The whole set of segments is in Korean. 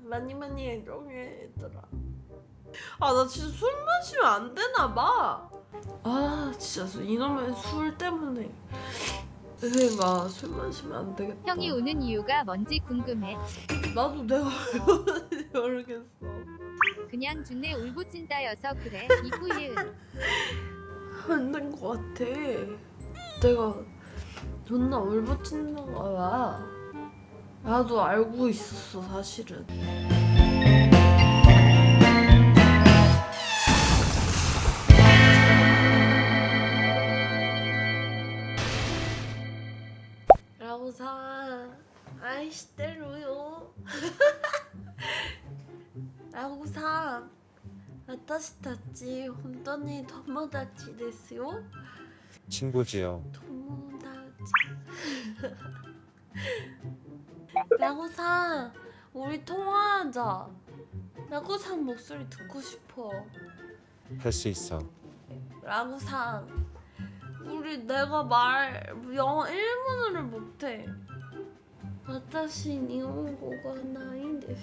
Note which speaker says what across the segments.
Speaker 1: 많이 애정해 얘들아. 아 나 진짜 술 마시면 안 되나 봐. 아 진짜 이놈의 술 때문에 내가 술 마시면 안 되겠다.
Speaker 2: 형이 우는 이유가 뭔지 궁금해.
Speaker 1: 나도 내가 모르겠어.
Speaker 2: 그냥 준내 울부짖다여서 그래. 이구이은.
Speaker 1: 안 된 것 같아. 내가 존나 울부짖는 거야. 나도 알고 있었어 사실은. 라고사 아이시테루요. 라고사 私たち本当に友達ですよ。
Speaker 3: 친구지요.
Speaker 1: 友達라고사 우리 통화하자. 라고사 목소리 듣고 싶어.
Speaker 3: 할 수 있어.
Speaker 1: 라고사 우리 내가 말 영어 일본어를 못해. 私日本語がないんです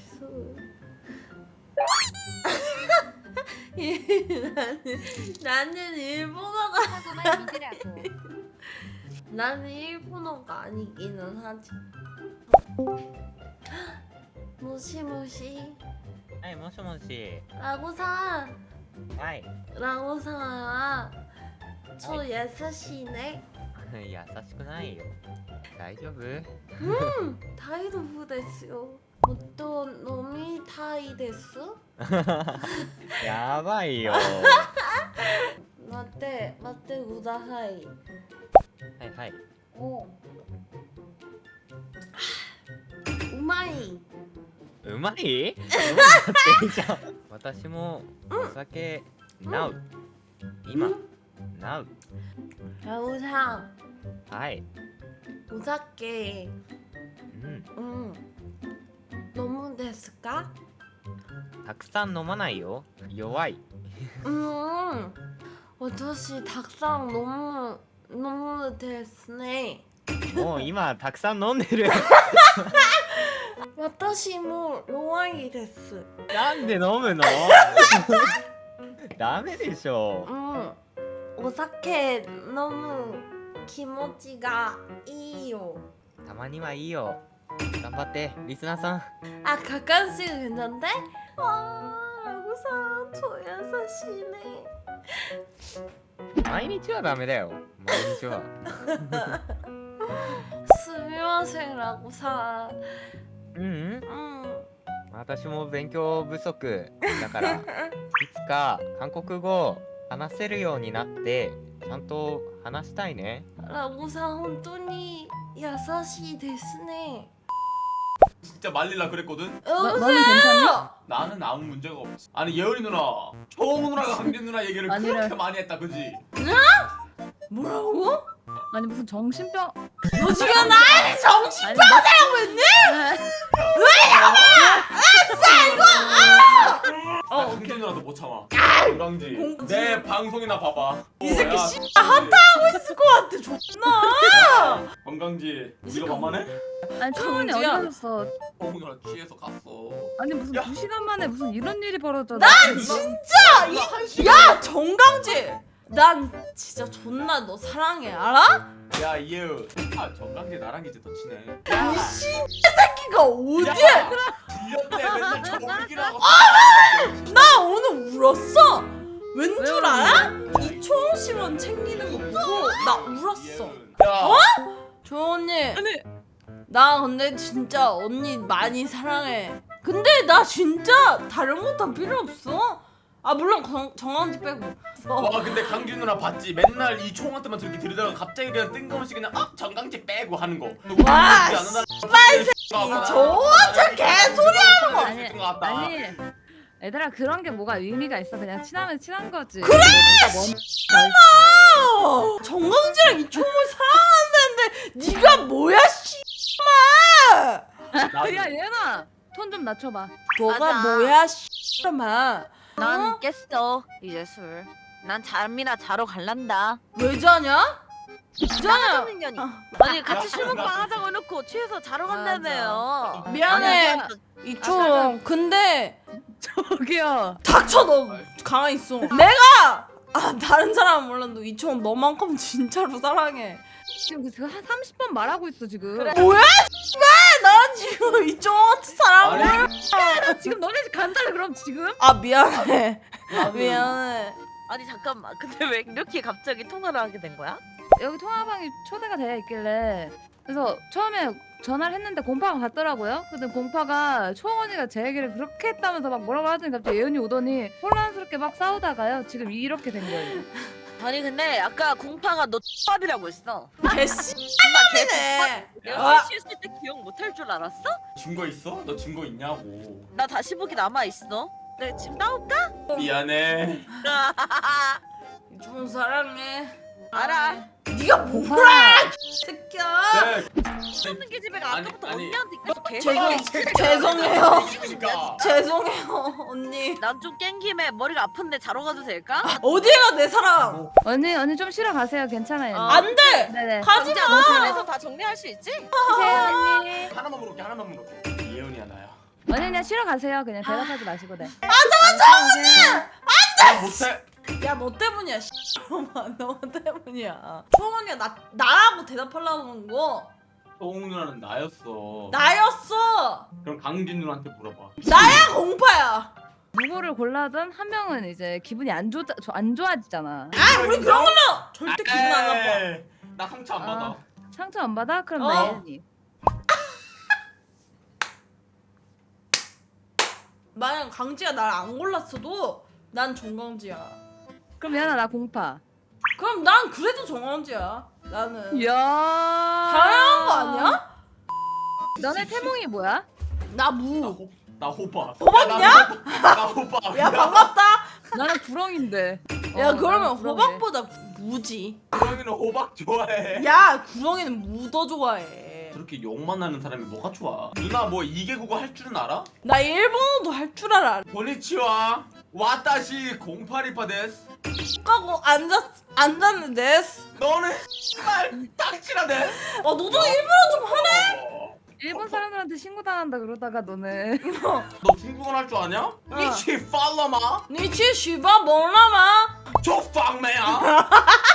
Speaker 1: 。나는 일본어가
Speaker 2: 하고만 믿으라고.
Speaker 1: 나는 일본어가 아니기는 하지. 모시모시
Speaker 4: はい、もしもし。
Speaker 1: 라고사
Speaker 4: はい。
Speaker 1: 라고사 저優しいね.
Speaker 4: 優しくないよ。大丈夫？
Speaker 1: 大丈夫ですよ. 또飲みたいです.
Speaker 4: やばいよ。
Speaker 1: 待ってください.
Speaker 4: はいはい。
Speaker 1: おうまい.
Speaker 4: うまい？うまいっていいじゃん。私もお酒、なう。今、なう。
Speaker 1: 라고사
Speaker 4: はい。
Speaker 1: お酒
Speaker 4: うん。
Speaker 1: 너무ですか?
Speaker 4: たくさん飲まないよ。弱い。
Speaker 1: 私たくさん飲むですね.
Speaker 4: もう今たくさん飲んでる。
Speaker 1: 私も弱いです.
Speaker 4: なんで飲むの？ダメでしょ。
Speaker 1: お酒飲む気持ちがいいよ.
Speaker 4: たまにはいいよ。頑張ってリスナーさん。
Speaker 1: 아 가끔씩 괜찮대? 와 라고사 저優しいね.
Speaker 4: 毎日はダメだよ。毎日は。
Speaker 1: すみません라고사.
Speaker 4: うん私も勉強不足だからいつか韓国語話せるようになってちゃんと話したいね。
Speaker 1: 라고사本当に優しいですね.
Speaker 5: 진짜 말릴라 그랬거든?
Speaker 1: 여보세요?
Speaker 6: 너는 괜찮니?
Speaker 5: 나는 아무 문제가 없어. 아니 예은이 누나, 초홍 누나가 강진 누나 얘기를
Speaker 6: 아니래.
Speaker 5: 그렇게 많이 했다, 그지?
Speaker 1: 뭐라고?
Speaker 6: 아니 무슨 정신병?
Speaker 1: 너 지금 나한테 정신병자라고 했니?
Speaker 5: 나 강진 누나도 못 참아. 강지.
Speaker 1: 공지.
Speaker 5: 내 방송이나 봐봐.
Speaker 1: 이 새끼
Speaker 5: 야,
Speaker 1: 씨 핫하고 있을 것 같아. 존나.
Speaker 5: 건강지.
Speaker 1: 이
Speaker 5: 우리가
Speaker 1: 새끼
Speaker 5: 만만해?
Speaker 6: 아니 초원이 어디
Speaker 1: 정지야.
Speaker 6: 가셨어?
Speaker 5: 초홍 누나 취해서 갔어.
Speaker 6: 아니 무슨
Speaker 5: 야.
Speaker 6: 2시간 만에 무슨 이런 일이 벌어졌어?
Speaker 1: 난 진짜
Speaker 5: 누나 한 시간.
Speaker 1: 야 정강지. 난 진짜 존나 너 사랑해 알아?
Speaker 5: 야 이예은. 아 정강지 나랑 이제 더 친해.
Speaker 1: 이 새끼가 어디야?
Speaker 5: 들렸대 맨날 정욱이라고.
Speaker 1: 나 오늘 울었어. 웬 줄
Speaker 6: 왜
Speaker 1: 알아? 이초홍 씨만 챙기는 거 보고 나 울었어.
Speaker 5: 야.
Speaker 1: 조언니.
Speaker 6: 아니.
Speaker 1: 나 근데 진짜 언니 많이 사랑해. 근데 나 진짜 다른 거 다 필요 없어. 아 물론 정강지 빼고.
Speaker 5: 와 근데 강진 누나 봤지? 맨날 이 총한테만 저렇게 들이다가 갑자기 그냥 뜬금없이 그냥 정강지 빼고 하는 거.
Speaker 1: 와,
Speaker 5: 씨발
Speaker 1: 저한테 개소리
Speaker 6: 아니 아니 얘들아 그런 게 뭐가 의미가 있어? 그냥 친하면 친한 거지.
Speaker 1: 그래!
Speaker 6: 뭐,
Speaker 1: 정강지랑 이초홍을 사랑한다는데 네가 뭐야 씨발.
Speaker 6: 야 얘나 톤 좀 낮춰봐.
Speaker 1: 너가
Speaker 7: 맞아.
Speaker 1: 뭐야 씨발.
Speaker 7: 난 깼어 이제 술. 난 잠이나 자러 갈란다.
Speaker 1: 왜 자냐? 있잖아.
Speaker 7: 년이.
Speaker 1: 아.
Speaker 7: 아니 같이 술 먹방 하자고 해놓고 취해서 자러 간다며요.
Speaker 1: 미안해
Speaker 7: 아니,
Speaker 1: 이총. 근데
Speaker 6: 저기요.
Speaker 1: 닥쳐 너 가만히 있어. 내가 다른 사람은 몰라도 이총 너만큼 진짜로 사랑해.
Speaker 6: 지금 한 30번 말하고 있어 지금.
Speaker 7: 그래.
Speaker 1: 뭐야? 왜? 난 지금 이총 사랑해.
Speaker 6: 아, 지금 너네 집 간다래 그럼 지금?
Speaker 1: 아 미안해. 미안해.
Speaker 7: 아니 잠깐만. 근데 왜 이렇게 갑자기 통화를 하게 된 거야?
Speaker 6: 여기 통화방이 초대가 되어 있길래 그래서 처음에 전화를 했는데 공파가 갔더라고요. 근데 공파가 초원이가 제 얘기를 그렇게 했다면서 막 뭐라고 하더니 갑자기 예은이 오더니 혼란스럽게 막 싸우다가요. 지금 이렇게 된 거예요.
Speaker 7: 아니 근데 아까 공파가 너 X밥이라고 했어.
Speaker 1: 개씨.
Speaker 7: 엄마 걔
Speaker 1: 네.
Speaker 7: 내가 술 취했을 때 기억 못할 줄 알았어?
Speaker 5: 증거 있어? 너 증거 있냐고.
Speaker 7: 나 다시 보기 남아 있어. 내 지금 나올까?
Speaker 5: 미안해.
Speaker 1: 이총 사랑해.
Speaker 7: 알아.
Speaker 1: 네가 뭐라? 새끼야.
Speaker 5: 네.
Speaker 7: 없는 게 집애가
Speaker 5: 아니,
Speaker 7: 아까부터
Speaker 5: 아니.
Speaker 7: 언니한테 계속
Speaker 1: 죄송해요.
Speaker 5: 그러니까.
Speaker 1: 죄송해요 언니.
Speaker 7: 난 좀 깬 김에 머리가 아픈데 자러 가도 될까?
Speaker 1: 어디가 내 사랑?
Speaker 6: 언니 좀 쉬러 가세요. 괜찮아요.
Speaker 7: 어.
Speaker 1: 안 돼.
Speaker 6: 네네.
Speaker 1: 가지
Speaker 7: 진짜
Speaker 1: 마.
Speaker 7: 너 집에서 다 정리할 수 있지?
Speaker 6: 쉬세요 언니.
Speaker 5: 하나만 물어볼게. 하나만 물어볼게. 예은이야 나야.
Speaker 6: 언니 그냥 쉬러 가세요. 그냥 대답하지 마시고 네.
Speaker 5: 나 못해.
Speaker 1: 야 너 때문이야. 씨발놈아 너 때문이야. 초원이가 나라고 대답하려는 거
Speaker 5: 소홍 누나는 나였어.
Speaker 1: 나였어.
Speaker 5: 그럼 강진 누나한테 물어봐.
Speaker 1: 나야 공파야.
Speaker 6: 누구를 골라든 한 명은 이제 기분이 안 좋아지잖아.
Speaker 1: 아 우리 그런 걸로 절대 기분 안 나빠.
Speaker 5: 에이, 나 상처 안 받아.
Speaker 6: 상처 안 받아? 그럼
Speaker 1: 어.
Speaker 6: 나 예은이.
Speaker 1: 만약 강지가 날 안 골랐어도 난 정강지야.
Speaker 6: 그럼 예은아 나 공파.
Speaker 1: 그럼 난 그래도 정강지야. 나는
Speaker 6: 이야.
Speaker 1: 당연한 거 아니야?
Speaker 6: 너네 태몽이 뭐야?
Speaker 1: 나 무.
Speaker 5: 나 호박.
Speaker 1: 호박이야?
Speaker 5: 나 호박.
Speaker 1: 야 반갑다.
Speaker 6: 나는 구렁인데.
Speaker 1: 야 그러면
Speaker 6: 나는 구렁이래.
Speaker 1: 호박보다 무지.
Speaker 5: 구렁이는 호박 좋아해.
Speaker 1: 야 구렁이는 무 더 좋아해.
Speaker 5: 저렇게 욕만 나는 사람이 뭐가 좋아? 누나 뭐 이개국어 할 줄은 알아?
Speaker 1: 나 일본어도 할 줄 알아.
Speaker 5: 고니치와 와타시 0828 데스.
Speaker 1: 하고 앉았는데.
Speaker 5: 너는 씨발 딱지라 데스.
Speaker 1: 너도 일본어 좀 하네.
Speaker 6: 일본 사람들한테 신고당한다 그러다가 너네.
Speaker 5: 너 중국어 할 줄 아냐? 니치 팔로마
Speaker 1: 니치 슈바 몰라마.
Speaker 5: 조팡매야.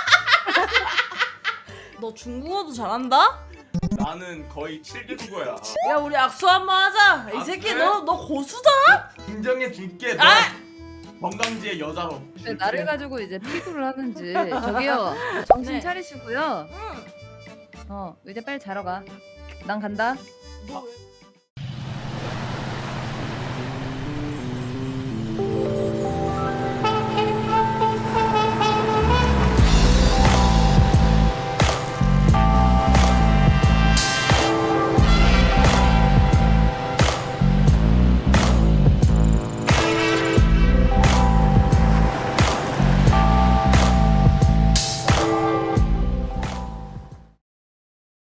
Speaker 1: 너 중국어도 잘한다?
Speaker 5: 나는 거의 7개국어야.
Speaker 1: 야 우리 악수 한번 하자. 이 새끼
Speaker 5: 그래?
Speaker 1: 너 고수다?
Speaker 5: 인정해 줄게. 너
Speaker 1: 아!
Speaker 5: 건강지의 여자로.
Speaker 6: 왜 나를 가지고 이제 피구를 하는지. 저기요. 정신
Speaker 1: 네.
Speaker 6: 차리시고요.
Speaker 1: 응.
Speaker 6: 이제 빨리 자러 가. 난 간다.
Speaker 1: 너 왜?